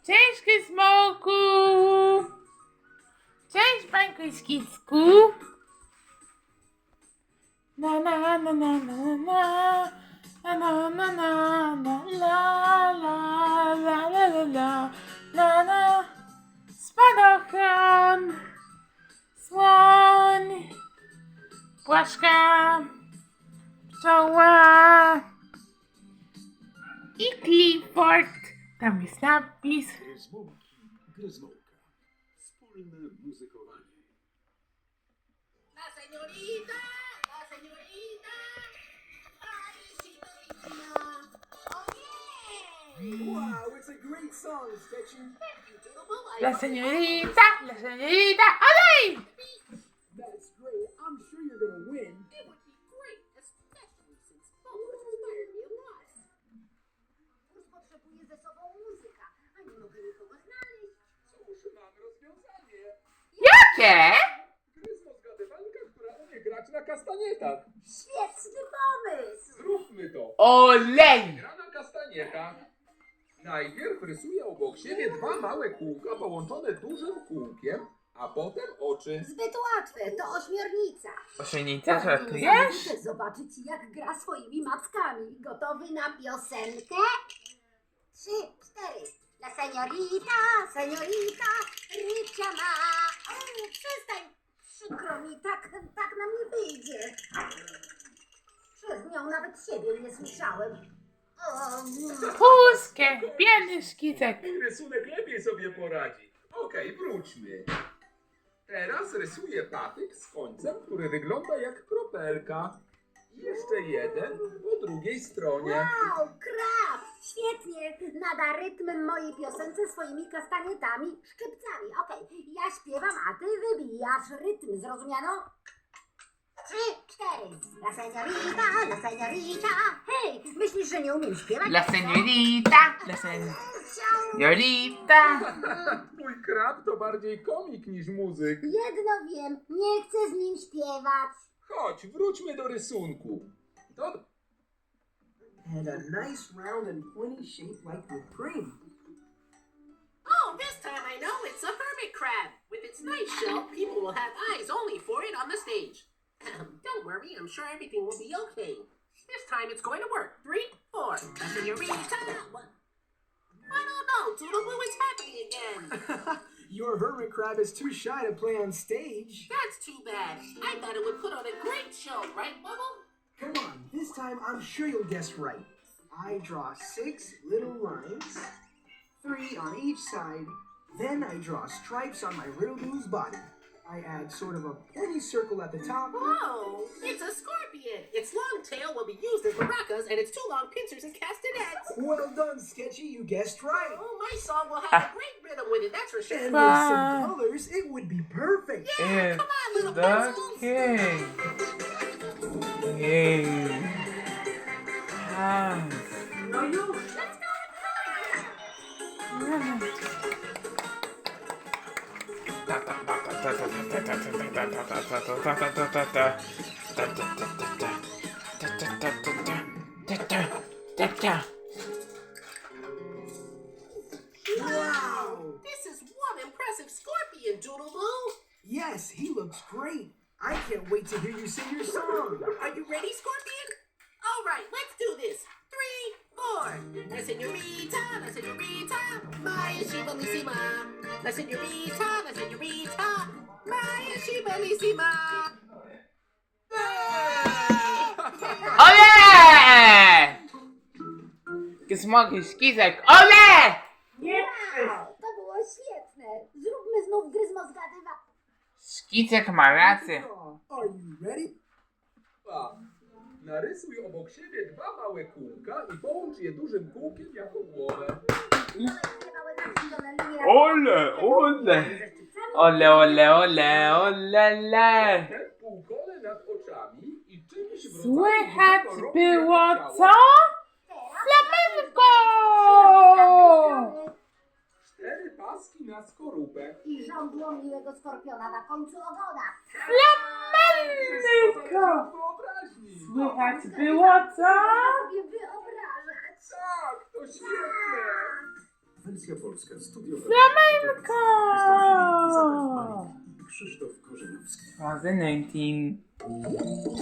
Cześć, Gryzmołku! Cześć, Bańko i Skicku! Na na na na na na na na na na na la la la la la la na na Spadochron, słoń, płaszka, pszczoła i Clifford. Tam jest napis. Gryzmołka. Wspólne muzykowanie. La señorita, la señorita. Ay, señorita. Oh, yeah. Wow, it's a great song, Sketchy. Thank you, Doodle-Boo. I La love it. señorita, ¡olé! That's great. I'm sure you're gonna win. It would be great, especially since Bobo inspired me a lot. Już potrzebuję ze sobą muzyka, a nie mogę nikogo znaleźć. Cóż, mam rozwiązanie. Jakie? Gryzmo zgadywanka, która umie grać na kastanietach. Świetny pomysł. Zróbmy to. Olej! Gra na kastanietach. Najpierw rysuje obok siebie dwa małe kółka połączone dużym kółkiem, a potem oczy. Zbyt łatwe, to ośmiornica. Osienica, Muszę żartujesz? zobaczyć, jak gra swoimi mackami. Gotowy na piosenkę? 3, 4. La señorita, señorita, rycia ma. O, przestań, przykro mi, tak nam nie wyjdzie. Przez nią nawet siebie nie słyszałem. O, Puskie, biedny Szkicek. Mój rysunek lepiej sobie poradzi. Okej, wróćmy. Teraz rysuję patyk z końcem, który wygląda jak kropelka. I jeszcze jeden po drugiej stronie. wow, krab! Świetnie! Nada rytm mojej piosence swoimi kastanietami, szczypcami. Okej, ja śpiewam, a ty wybijasz rytm, zrozumiano? 3, 4. La señorita, la señorita. Hej, myślisz, że nie umiem śpiewać? La señorita, la señorita. Mój krab to bardziej komik niż muzyk. Jedno wiem, nie chcę z nim śpiewać. Chodź, wróćmy do rysunku. And a nice round and pointy shape like whipped cream. Oh, this time I know it's a hermit crab. With its nice shell, people will have eyes only for it on the stage. Don't worry, I'm sure everything will be okay. This time it's going to work. 3, 4. La señorita. What? I don't know, Doodle-Boo, it's happening again. Your hermit crab is too shy to play on stage. That's too bad. I thought it would put on a great show, right, Bubble? Come on, this time I'm sure you'll guess right. I draw 6 little lines, 3 on each side. Then I draw stripes on my Riddle-Boo's body. I add sort of a pointy circle at the top. Oh, it's a scorpion. Its long tail will be used as maracas, and its 2 long pincers as castanets. Well done, Sketchy, you guessed right. Oh, my song will have a great rhythm with it, that's for sure. And with some colors, it would be perfect. Yeah, come on, little The pencils. king. King. Ah. No, you. Let's go. Wow! This is one impressive scorpion, Doodle-Boo. Yes, he looks great. I can't wait to hear you sing your song. Are you ready, Scorpion? All right, let's do this. 3, 4. La señorita, Maya she bellissima. La señorita, Maya she bellissima. Ole! Gizmoki, Szkicek, ole! Wow, to było świetne. Zróbmy znów gryzmo zgadywa. Szkicek ma rację. Are you ready? Narysuj obok siebie dwa małe kółka i połącz je dużym kółkiem jako głowę. Ole, ole. Ole, ole, ole, ole, le. Ten półkole nad oczami i czymś w rodzaju Słychać kolorowej było ciała. co? Flamenko! 4 paski na skorupę. I żądło miłego skorpiona na końcu ogona. Flamenko! Wyobraźni. Słychać było co? Sobie wyobrażać. Tak, to świetne. W Wersja polska. Studio Flamenko! Krzysztof Korzeniowski. 2019.